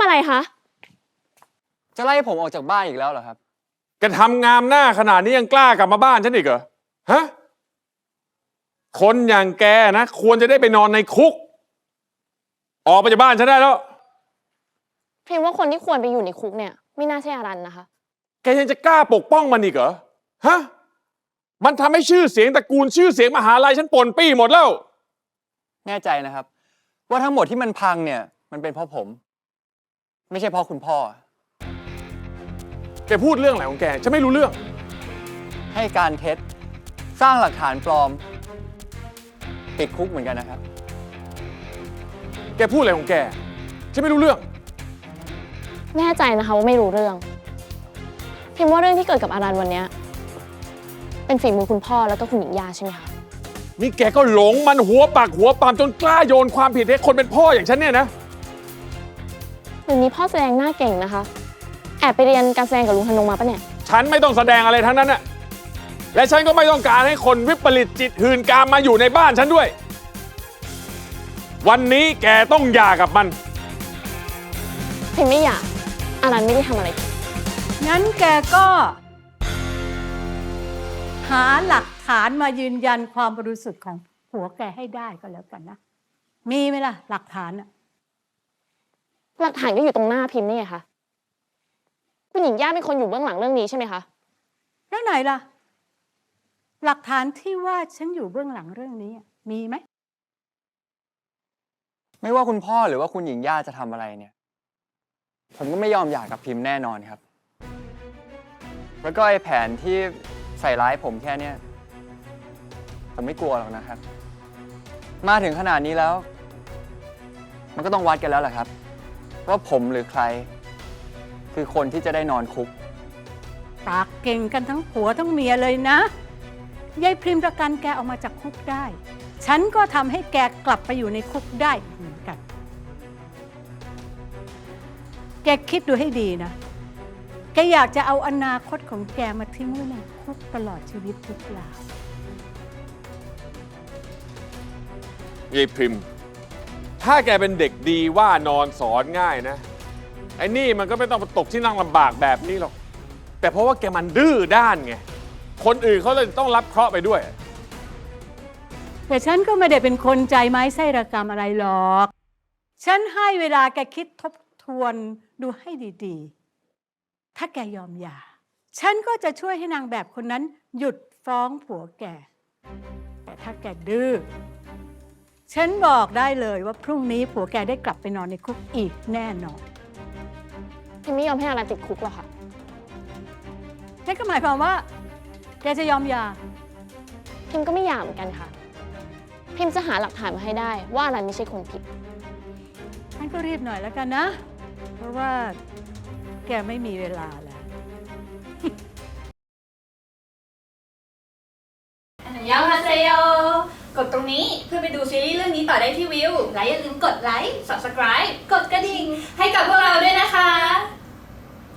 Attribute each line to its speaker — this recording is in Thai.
Speaker 1: อะไรคะ
Speaker 2: จะไล่ผมออกจากบ้านอีกแล้วเหรอครับ
Speaker 3: แกทำงามหน้าขนาดนี้ยังกล้ากลับมาบ้านฉันอีกเหรอฮะคนอย่างแกนะควรจะได้ไปนอนในคุกออกไปจากบ้านฉันได้แล้ว
Speaker 1: พิมพ์ว่าคนที่ควรไปอยู่ในคุกเนี่ยไม่น่าใช่อารันนะคะ
Speaker 3: แกยังจะกล้าปกป้องมันอีกเหรอฮะมันทำให้ชื่อเสียงตระกูลชื่อเสียงมหาลัยฉันป่นปี้หมดแล้ว
Speaker 2: แน่ใจนะครับว่าทั้งหมดที่มันพังเนี่ยมันเป็นเพราะผมไม่ใช่เพราะคุณพ่อ
Speaker 3: แกพูดเรื่องอะไรของแกฉันไม่รู้เรื่อง
Speaker 2: ให้การเท็จสร้างหลักฐานปลอมติดคุกเหมือนกันนะครับ
Speaker 3: แกพูดอะไรของแกฉันไม่รู้เรื่อง
Speaker 1: แน่ใจนะคะว่าไม่รู้เรื่องพิมพ์ว่าเรื่องที่เกิดกับอารันวันนี้เป็นฝีมือคุณพ่อแล้วก็คุณหญิงยาใช่ไหมคะ
Speaker 3: นี่แกก็หลงมันหัวปากหัวปามจนกล้าโยนความผิดให้คนเป็นพ่ออย่างฉันเนี่ยนะ
Speaker 1: เดี๋ยวนี้พ่อแสดงหน้าเก่งนะคะแอบไปเรียนการแสดงกับลุงธนงมาปะเนี่ย
Speaker 3: ฉันไม่ต้องแสดงอะไรทั้งนั้นน่ะและฉันก็ไม่ต้องการให้คนวิปริตจิตหื่นกามมาอยู่ในบ้านฉันด้วยวันนี้แกต้องหย่ากับมัน
Speaker 1: พิมไม่อยากอารันไม่ได้ทำอะไรผิด
Speaker 4: งั้นแกก็หาหลักฐานมายืนยันความบริสุทธิ์ของผัวแกให้ได้ก็แล้วกันนะมีไหมล่ะหลักฐานอะ
Speaker 1: หลักฐานก็อยู่ตรงหน้าพิมพ์นี่ไงคะคุณหญิงย่าเป็นคนอยู่เบื้องหลังเรื่องนี้ใช่ไหมคะ
Speaker 4: แล้วไหนล่ะหลักฐานที่ว่าฉันอยู่เบื้องหลังเรื่องนี้มีไหม
Speaker 2: ไม่ว่าคุณพ่อหรือว่าคุณหญิงย่าจะทำอะไรเนี่ยผมก็ไม่ยอมหย่ากับพิมพ์แน่นอนครับแล้วก็ไอ้แผนที่ใส่ร้ายผมแค่เนี้ยผมไม่กลัวหรอกนะครับมาถึงขนาดนี้แล้วมันก็ต้องวัดกันแล้วแหละครับว่าผมหรือใครคือคนที่จะได้นอนคุก
Speaker 4: ปากเก่งกันทั้งผัวทั้งเมียเลยนะยายพริมประกันแกออกมาจากคุกได้ฉันก็ทำให้แกกลับไปอยู่ในคุกได้เหมือนกันแกคิดดูให้ดีนะแกอยากจะเอาอนาคตของแกมาทิ้งไว้ในคุกตลอดชีวิตหรือเปล่าย
Speaker 3: ายพริมถ้าแกเป็นเด็กดีว่านอนสอนง่ายนะไอ้นี่มันก็ไม่ต้องมาตกที่นั่งลำบากแบบนี้หรอกแต่เพราะว่าแกมันดื้อด้านไงคนอื่นเขาเลยต้องรับเคราะห์ไปด้วย
Speaker 4: แต่ฉันก็ไม่ได้เป็นคนใจไม้ไส้ระกำอะไรหรอกฉันให้เวลาแกคิดทบทวนดูให้ดีๆถ้าแกยอมหย่าฉันก็จะช่วยให้นางแบบคนนั้นหยุดฟ้องผัวแกแต่ถ้าแกดื้อฉันบอกได้เลยว่าพรุ่งนี้ผัวแกได้กลับไปนอนในคุกอีกแน่นอน
Speaker 1: พิมไม่ยอมให้อารันติดคุกหรอกค่ะ
Speaker 4: นั่นก็หมายความว่าแกจะยอมหย่า
Speaker 1: พิมก็ไม่หย่าเหมือนกันค่ะพิมจะหาหลักฐานมาให้ได้ว่าอารันไม่ใช่คนผิด
Speaker 4: งั้นก็รีบหน่อยแล้วกันนะเพราะว่าแกไม่มีเวลาแล้ว
Speaker 5: ยาฮาเซโยกดตรงนี้เพื่อไปดูซีรีส์เรื่องนี้ต่อได้ที่วิวและอย่าลืมกดไลค์ Subscribe กดกระดิ่งให้กับพวกเราด้วยนะคะ